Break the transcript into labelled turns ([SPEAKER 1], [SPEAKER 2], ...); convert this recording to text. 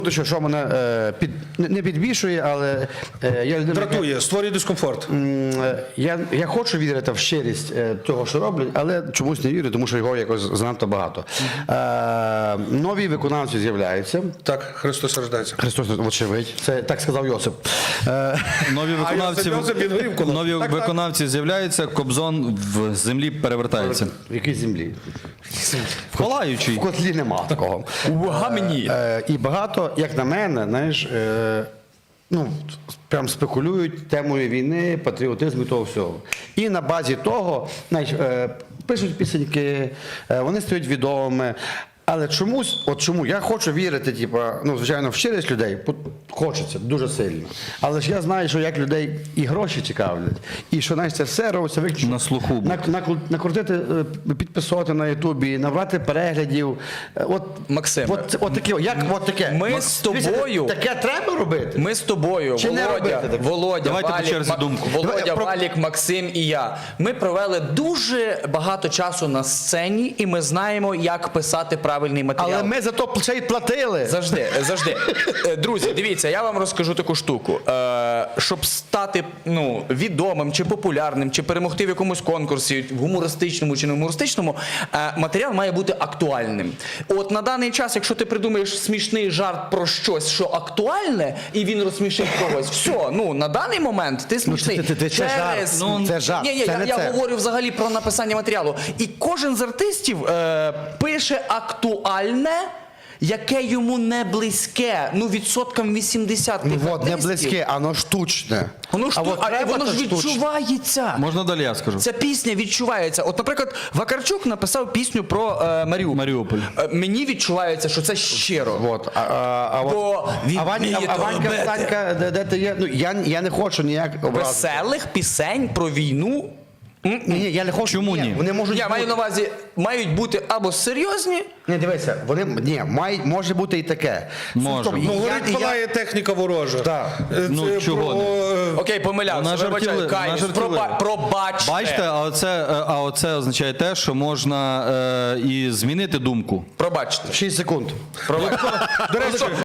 [SPEAKER 1] Що мене не підбільшує, але я людина,
[SPEAKER 2] Дратує, створює дискомфорт.
[SPEAKER 1] я хочу вірити в щирість того, що роблять, але чомусь не вірю, тому що його якось занадто багато. Нові виконавці з'являються.
[SPEAKER 2] Так, Христос рождається.
[SPEAKER 1] Христос, очевидь, це так сказав Йосип.
[SPEAKER 3] Нові виконавці з'являються, Кобзон в землі перевертається.
[SPEAKER 1] В якій землі?
[SPEAKER 3] Палаючий.
[SPEAKER 1] В котлі нема такого.
[SPEAKER 4] У гамні.
[SPEAKER 1] І багато, як на мене, знаєш, прям спекулюють темою війни, патріотизму і того всього. І на базі того, знаєш, пишуть пісеньки, вони стають відомими. Але чомусь, от чому я хочу вірити, звичайно, в щирість людей, хочеться дуже сильно. Але ж я знаю, що як людей і гроші цікавлять, і що, знаєш, це все робиться виключно
[SPEAKER 3] На слуху.
[SPEAKER 1] накрутити підписувати на Ютубі, набрати переглядів.
[SPEAKER 4] Максим,
[SPEAKER 1] таке.
[SPEAKER 4] ми з тобою.
[SPEAKER 1] Таке треба робити?
[SPEAKER 4] Ми з тобою,
[SPEAKER 1] Чи не робити таке?
[SPEAKER 4] Володя,
[SPEAKER 3] Давайте по черзі думку.
[SPEAKER 4] Володя, Валік, Максим і я. Ми провели дуже багато часу на сцені, і ми знаємо, як писати правильний матеріал.
[SPEAKER 1] Але ми за то ще й платили.
[SPEAKER 4] Завжди. Друзі, дивіться, я вам розкажу таку штуку. Щоб стати відомим, чи популярним, чи перемогти в якомусь конкурсі, в гумористичному чи не гумористичному, матеріал має бути актуальним. От на даний час, якщо ти придумаєш смішний жарт про щось, що актуальне, і він розсмішить когось, все, на даний момент ти смішний.
[SPEAKER 1] Це жарт. Це жарт.
[SPEAKER 4] Ні,
[SPEAKER 1] це не
[SPEAKER 4] я
[SPEAKER 1] це.
[SPEAKER 4] говорю взагалі про написання матеріалу. І кожен з артистів пише актуальне, яке йому не близьке. Відсоткам 80 тих
[SPEAKER 1] Не
[SPEAKER 4] артистів.
[SPEAKER 1] близьке, воно штучне.
[SPEAKER 4] Воно ж відчувається.
[SPEAKER 3] Можна далі я скажу?
[SPEAKER 4] Ця пісня відчувається. От, наприклад, Вакарчук написав пісню про Маріуполь. Мені відчувається, що це щиро. Бо він вміє то
[SPEAKER 1] Ванька,
[SPEAKER 4] робити.
[SPEAKER 1] Санька, де ти є? Я не хочу ніяк образити.
[SPEAKER 4] Веселих пісень про війну.
[SPEAKER 1] Ні, я не хочу.
[SPEAKER 3] Чому ні?
[SPEAKER 1] Вони можуть
[SPEAKER 4] Я маю на увазі, мають бути або серйозні.
[SPEAKER 1] Не, дивися, може бути і таке.
[SPEAKER 3] Може.
[SPEAKER 1] Стоп,
[SPEAKER 2] Горить палає техніка ворожа.
[SPEAKER 1] Так.
[SPEAKER 3] Чого не?
[SPEAKER 4] Окей, помилявся. Вибачаю, каюсь. Пробачте.
[SPEAKER 3] Бачите, а оце означає те, що можна і змінити думку.
[SPEAKER 4] Пробачте.
[SPEAKER 1] 6 секунд.
[SPEAKER 4] Пробачте.
[SPEAKER 1] До речі,